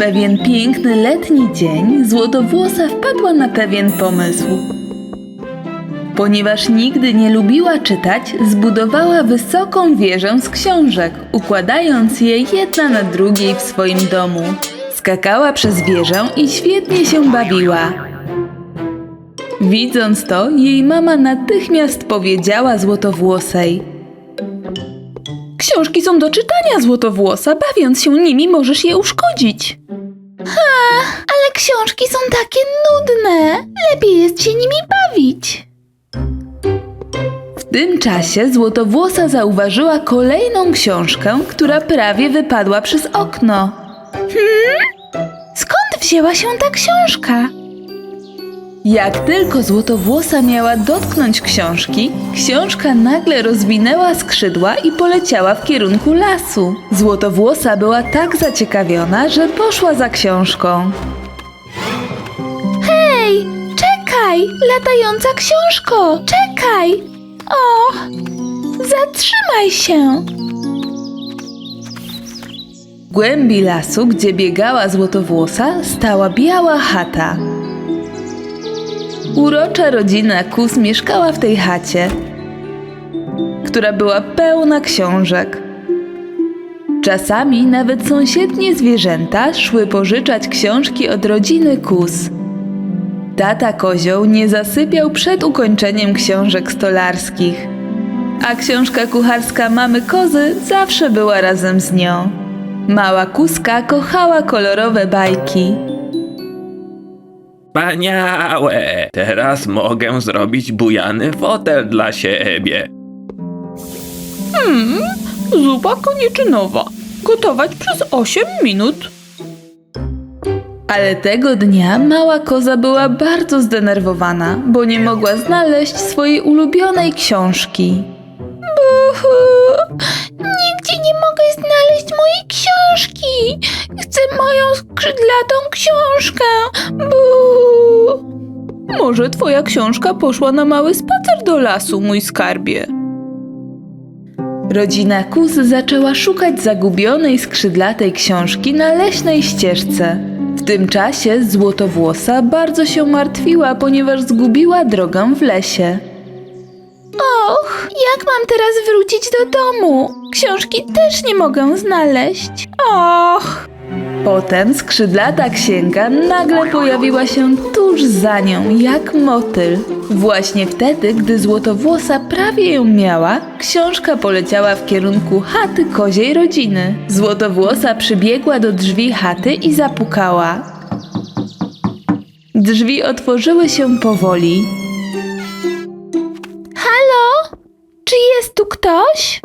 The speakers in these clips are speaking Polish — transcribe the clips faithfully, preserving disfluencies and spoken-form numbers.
pewien piękny letni dzień Złotowłosa wpadła na pewien pomysł. Ponieważ nigdy nie lubiła czytać, zbudowała wysoką wieżę z książek, układając je jedna na drugiej w swoim domu. Skakała przez wieżę i świetnie się bawiła. Widząc to, jej mama natychmiast powiedziała Złotowłosej: Książki są do czytania, Złotowłosa. Bawiąc się nimi, możesz je uszkodzić. Ha, ale książki są takie nudne. Lepiej jest się nimi bawić. W tym czasie Złotowłosa zauważyła kolejną książkę, która prawie wypadła przez okno. Hmm? Skąd wzięła się ta książka? Jak tylko Złotowłosa miała dotknąć książki, książka nagle rozwinęła skrzydła i poleciała w kierunku lasu. Złotowłosa była tak zaciekawiona, że poszła za książką. Hej, czekaj, latająca książko, czekaj! O, zatrzymaj się! W głębi lasu, gdzie biegała Złotowłosa, stała biała chata. Urocza rodzina Kus mieszkała w tej chacie, która była pełna książek. Czasami nawet sąsiednie zwierzęta szły pożyczać książki od rodziny Kus. Tata Kozioł nie zasypiał przed ukończeniem książek stolarskich, a książka kucharska mamy Kozy zawsze była razem z nią. Mała Kuska kochała kolorowe bajki. Wspaniałe! Teraz mogę zrobić bujany fotel dla siebie. Hmm, zupa koniczynowa. Gotować przez osiem minut. Ale tego dnia mała koza była bardzo zdenerwowana, bo nie mogła znaleźć swojej ulubionej książki. Buhu! Nigdzie nie mogę znaleźć mojej książki! Chcę moją skrzydlatą książkę! Buhu! Może twoja książka poszła na mały spacer do lasu, mój skarbie. Rodzina Kus zaczęła szukać zagubionej skrzydlatej książki na leśnej ścieżce. W tym czasie Złotowłosa bardzo się martwiła, ponieważ zgubiła drogę w lesie. Och, jak mam teraz wrócić do domu? Książki też nie mogę znaleźć. Och! Potem skrzydlata księga nagle pojawiła się tuż za nią, jak motyl. Właśnie wtedy, gdy Złotowłosa prawie ją miała, książka poleciała w kierunku chaty koziej rodziny. Złotowłosa przybiegła do drzwi chaty i zapukała. Drzwi otworzyły się powoli. Halo? Czy jest tu ktoś?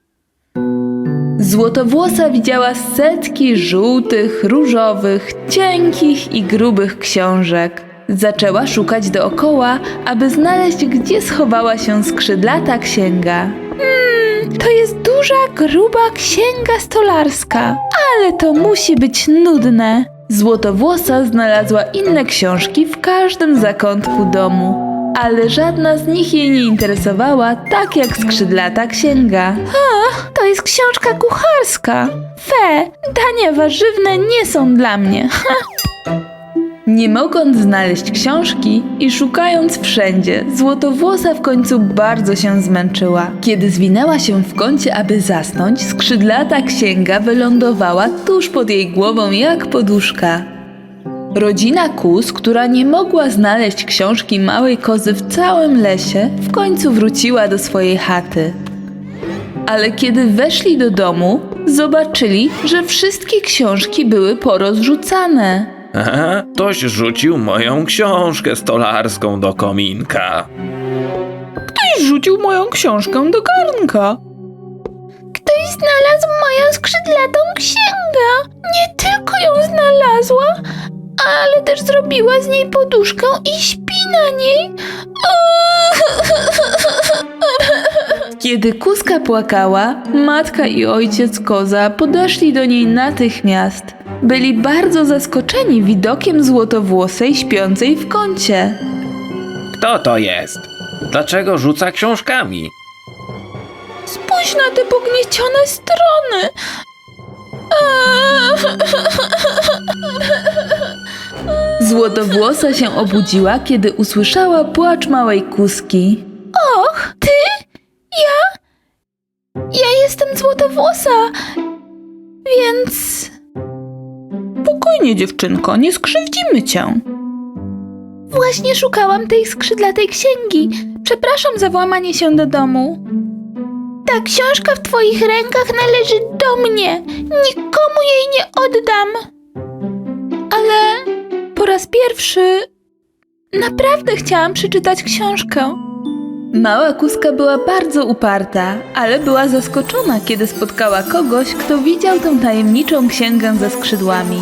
Złotowłosa widziała setki żółtych, różowych, cienkich i grubych książek. Zaczęła szukać dookoła, aby znaleźć, gdzie schowała się skrzydlata księga. Hmm, to jest duża, gruba księga stolarska, ale to musi być nudne. Złotowłosa znalazła inne książki w każdym zakątku domu, ale żadna z nich jej nie interesowała tak jak skrzydlata księga. A, to jest książka kucharska. Fe, dania warzywne nie są dla mnie. Ha. Nie mogąc znaleźć książki i szukając wszędzie, Złotowłosa w końcu bardzo się zmęczyła. Kiedy zwinęła się w kącie, aby zasnąć, skrzydlata księga wylądowała tuż pod jej głową jak poduszka. Rodzina Kus, która nie mogła znaleźć książki małej kozy w całym lesie, w końcu wróciła do swojej chaty. Ale kiedy weszli do domu, zobaczyli, że wszystkie książki były porozrzucane. Aha, ktoś rzucił moją książkę stolarską do kominka. Ktoś rzucił moją książkę do garnka. Ktoś znalazł moją skrzydlatą księgę. Nie tylko ją znalazła, ale też zrobiła z niej poduszkę i śpi na niej. Kiedy Kuska płakała, matka i ojciec koza podeszli do niej natychmiast. Byli bardzo zaskoczeni widokiem Złotowłosej śpiącej w kącie. Kto to jest? Dlaczego rzuca książkami? Spójrz na te pogniecione strony. Złotowłosa się obudziła, kiedy usłyszała płacz małej kuzki. Och, ty? Ja? Ja jestem Złotowłosa, więc... Spokojnie, dziewczynko, nie skrzywdzimy cię. Właśnie szukałam tej skrzydlatej księgi. Przepraszam za włamanie się do domu. Ta książka w twoich rękach należy do mnie. Nikomu jej nie oddam. Ale po raz pierwszy naprawdę chciałam przeczytać książkę. Mała kuzka była bardzo uparta, ale była zaskoczona, kiedy spotkała kogoś, kto widział tę tajemniczą księgę ze skrzydłami.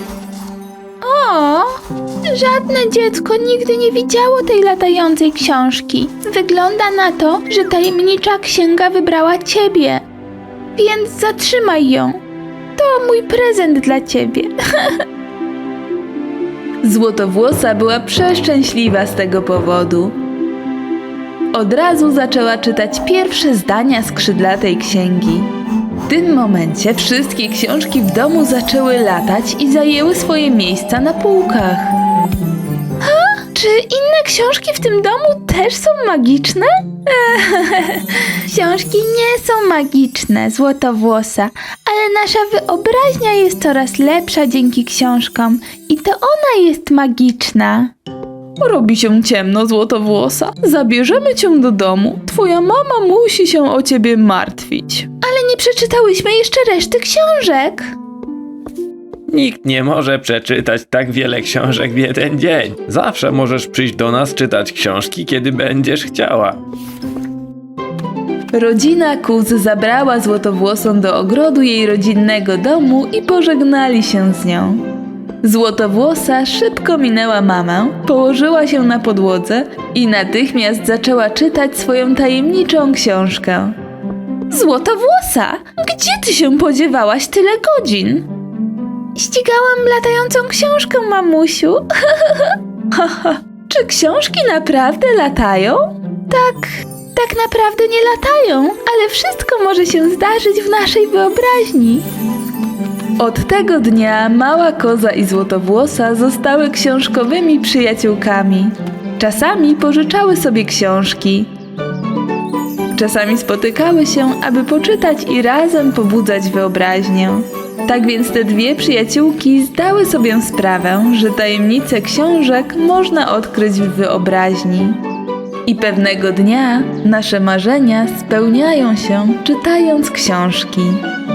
O, żadne dziecko nigdy nie widziało tej latającej książki. Wygląda na to, że tajemnicza księga wybrała ciebie. Więc zatrzymaj ją. To mój prezent dla ciebie. Złotowłosa była przeszczęśliwa z tego powodu. Od razu zaczęła czytać pierwsze zdania skrzydlatej księgi. W tym momencie wszystkie książki w domu zaczęły latać i zajęły swoje miejsca na półkach. Ha? Czy inne książki w tym domu też są magiczne? Książki nie są magiczne, Złotowłosa, ale nasza wyobraźnia jest coraz lepsza dzięki książkom i to ona jest magiczna. Robi się ciemno, Złotowłosa. Zabierzemy cię do domu. Twoja mama musi się o ciebie martwić. Ale nie przeczytałyśmy jeszcze reszty książek. Nikt nie może przeczytać tak wiele książek w jeden dzień. Zawsze możesz przyjść do nas czytać książki, kiedy będziesz chciała. Rodzina Kuz zabrała Złotowłosą do ogrodu jej rodzinnego domu i pożegnali się z nią. Złotowłosa szybko minęła mamę, położyła się na podłodze i natychmiast zaczęła czytać swoją tajemniczą książkę. Złotowłosa, gdzie ty się podziewałaś tyle godzin? Ścigałam latającą książkę, mamusiu. Czy książki naprawdę latają? Tak, tak naprawdę nie latają, ale wszystko może się zdarzyć w naszej wyobraźni. Od tego dnia mała koza i Złotowłosa zostały książkowymi przyjaciółkami. Czasami pożyczały sobie książki. Czasami spotykały się, aby poczytać i razem pobudzać wyobraźnię. Tak więc te dwie przyjaciółki zdały sobie sprawę, że tajemnice książek można odkryć w wyobraźni. I pewnego dnia nasze marzenia spełniają się czytając książki.